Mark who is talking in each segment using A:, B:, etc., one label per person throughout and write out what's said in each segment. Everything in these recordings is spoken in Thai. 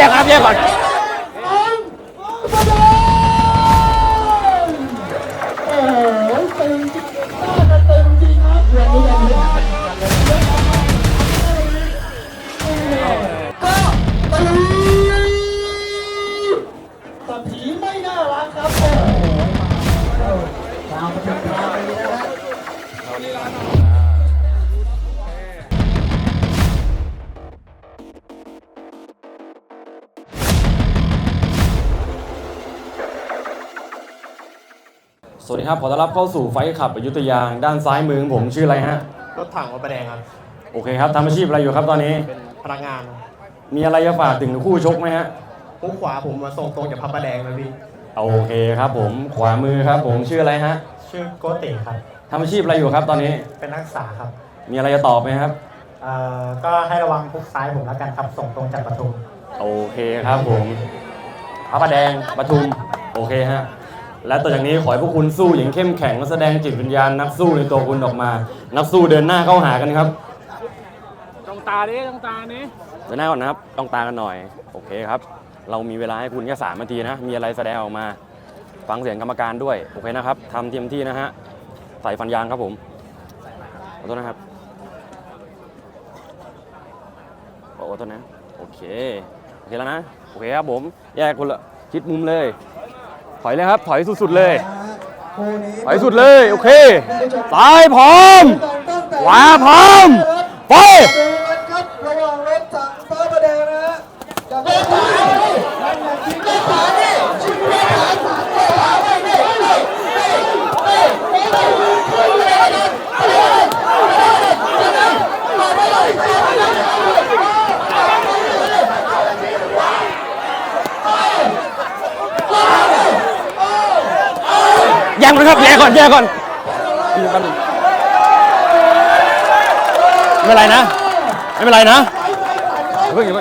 A: กครับแยกก่อน
B: แต่ผีไม่น่ารักครับตามมาถึงทางนี้นะฮะ
A: สวัสดีครับขอต้อนรับเข้าสู่ไฟขับอยุธยาด้านซ้ายมือของผมชื่ออะไรฮะ
C: รถถังวัดประแดงครับ
A: โอเคครับทำอาชีพอะไรอยู่ครับตอนนี้
C: เป็นพนักงาน
A: มีอะไรจะฝากถึงคู่ชกไหมฮะ
C: มุกขวาผมมาส่งตรงจากพระประแดงนะพี่
A: โอเคครับผมขวามือครับผมชื่ออะไรฮะ
C: ชื่อโกติครับ
A: ทำอาชีพอะไรอยู่ครับตอนนี้
C: เป็นนักศึกษาครับ
A: มีอะไรจะตอบไหมครับ
C: ก็ให้ระวังพุกซ้ายผมแล้วกันครับส่งตรงจากปทุม
A: โอเคครับผมพระประแดงปทุมโอเคฮะและต่อจากนี้ขอให้พวกคุณสู้อย่างเข้มแข็งและแสดงจิตวิญญาณนักสู้ในตัวคุณออกมานักสู้เดินหน้าเข้าหากันครับ
D: ต้องตาดิต้องตานี้
A: เดินหน้าก่อนนะครับต้องตากันหน่อยโอเคครับเรามีเวลาให้คุณแค่3 นาทีนะมีอะไรแสดงออกมาฟังเสียงกรรมการด้วยโอเคนะครับทำเต็มที่นะฮะใส่ฟันยางครับผมขอโทษนะครับขอโทษนะโอเคแล้วนะโอเคครับผมแยกคนละชิดมุมเลยถอยเลยครับถอยสุดๆเลยถอยสุดเลยโอเคซ้ายพร้อมขวาพร้อมไประวังรถถังฟ้าประแดงนะฮะยังนะครับแยกก่อนไม่เป็นไรนะไม่เป็นไรนะเพิ่ง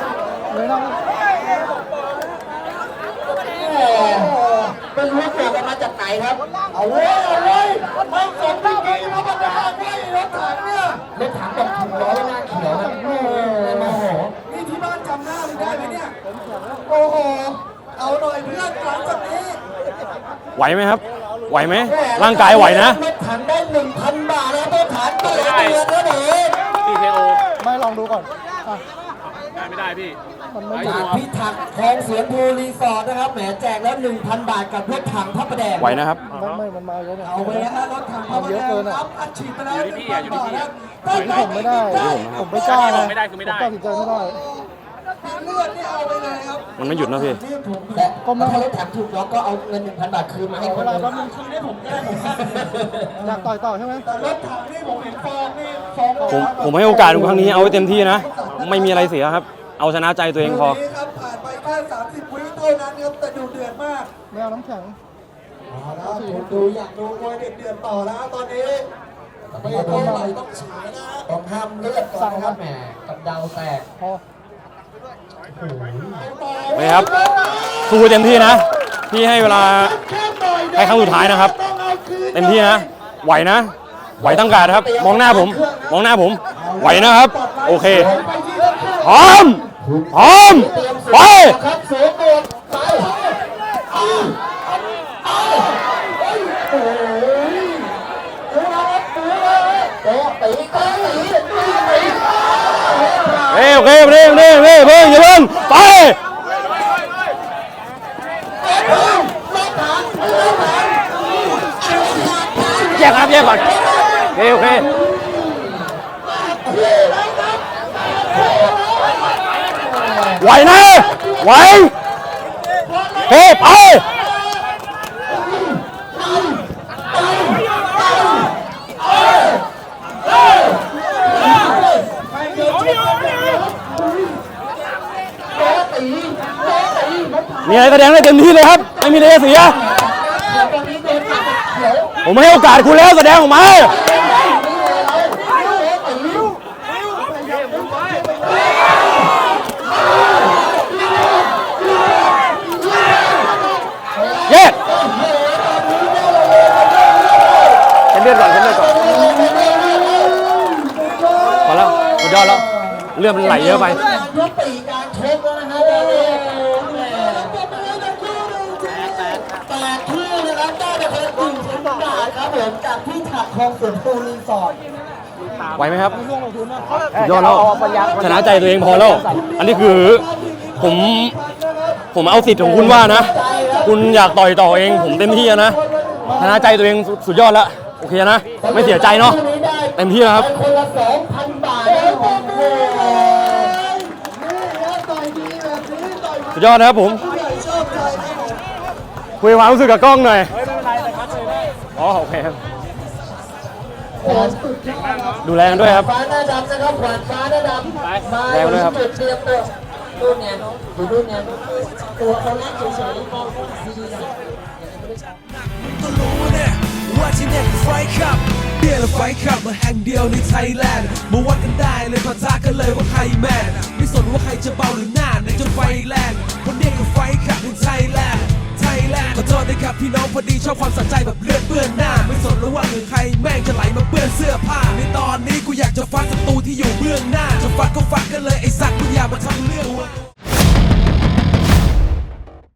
B: เป็นรู้ตัวกันมาจากไหนครับเอาไว้ไม่สนไม่กี่มาประดาไม่รถถังเนี่ยรถถังแบบถุงล้อหน้าเขียวนะโอ้โหนี่ที่บ้านจำหน้ามึงได้ไหมเนี่ยโอ้โหเอาหน่อยเพื่อนหลังจากนี้
A: ไหวไหมครับไหวไหมร่างกายไหวนะ
B: รถถังได้ 1,000 บาทแล้วรถถังเดือนนะเด็ก
D: TKO
E: ไม่ลองดูก่อน
D: ไม่ได้พี่
B: จากพิทักษ์คลองเสียงภูรีสอร์ทนะครับแหมแจกแล้ว 1,000 บาทกับรถถังพระประแดง
A: ไหวนะครับ
E: ไม่มันมาเยอะเนี่ย
B: เอาไปนะฮะรถถังพระประแดงครับอัดฉีดไปแล้ว1,000 บาทนะ
E: ผมไม่ได้ผมไม่กล้านะ
D: ไม่ได้คือไม่ได้
E: ตัดสินใจไม่ได้
B: เลือดนี่เอาไปเลยครับ
A: มันไม่หยุดนะพี่
B: แต่ก็ไม่ให้รถถังถูกล็อกก็เอาเงิน 1,000 บาทคืนมาให้คนอื่นคืนให้ผมได้
E: อยากต่อใช่ไหม
B: แต่รถถังนี่ผมเห็นฟองนี่
A: ผมให้โอกาสครั้งนี้เอาไว้เต็มที่นะไม่มีอะไรเสียครับเอาชนะใจตัวเองพอ
B: ครับผ่านไปแค่30 วิเท่านั้นครับแต่ดูเดือดมาก
E: ไม่เอาน้ำแข็ง
B: ดูอยากดูมวยเดือดต่อแล้วตอนนี้ไม่เท่าไหร่ต้องฉายนะต้องห้ามเลือดก่อนครับแหมกับดาวแตก
A: ไม่ครับสู้เต็มที่นะพี่ให้เวลาให้ครั้งสุดท้ายนะครับเต็มที่นะไหวนะไหวตั้งการครับมองหน้าผมไหวนะครับโอเคพร้อมไปโอเคเพิ่งอย่าเพิ่งไปแยกก่อนโอเคไหวนะไหวเฮ้ไปมีอะไรแสดงได้เต็มที่เลยครับไม่มีอะไรเสียผมให้โอกาสคุณแล้วแสดงออกมาแยกเลือดก่อนพอแล้วสุดยอดแล้วเลือดมันไหลเยอะไป
B: ชกแล้วนะฮะตอนนี้แหมแตกคู่นะครับได้ไปคนละ1,000 บาทครับผมจากที่ถักคลองสวนปูรีสอร์ท
A: ไหวไหมครับ
E: ร่วงลงทุนนะ
A: สุดยอดแล้วชนะใจตัวเองพอแล้ว อันนี้คือผมเอาสิทธิ์ของคุณว่านะ คุณอยากต่อยต่อเองผมเต็มที่นะชนะใจตัวเองสุดยอดแล้วโอเคนะไม่เสียใจเนาะเต็มที่แล้วครับ
B: ไปคนละ 2,000 บาทนะครับผม
A: สุดยอดนะครับผมคุยความรู้สึกกับกล้องหน่อยอ๋อโอเคครับดูแลกันด้วยครับ
B: ฟ้าหน้าดำนะครับขวานฟ้าหน้าดำมาอยู่ที่จุดเตรียมตัวรุ่นเนี่ยดูรุ่นเนี่ยตัวเขาเล่นเฉยๆมองดีๆนะ
F: ก็รู้เนี่ยว่าที่เนี่ยคือไฟขับเบียร์และไฟขับมาแห่งเดียวในไทยแลนด์มาวัดกันได้เลยปะทะกันเลยว่าใครแมนไม่สนว่าใครจะเบาหรือหน้าในจนไฟแรงคนเนี้ยคือไฟขับในไทยแลนด์ขอโทษนะครับพี่น้องพอดีชอบความสะใจแบบเลือดเปื้อนหน้าไม่สนแล้วว่าหรือใครแม่งจะไหลมาเปื้อนเสื้อผ้าในตอนนี้กูอยากจะฟัดศัตรูที่อยู่เบื้องหน้าจะฟัดก็ฟัดกันเลยไอ้สัตว์มึงอย่ามาทำเรื่อง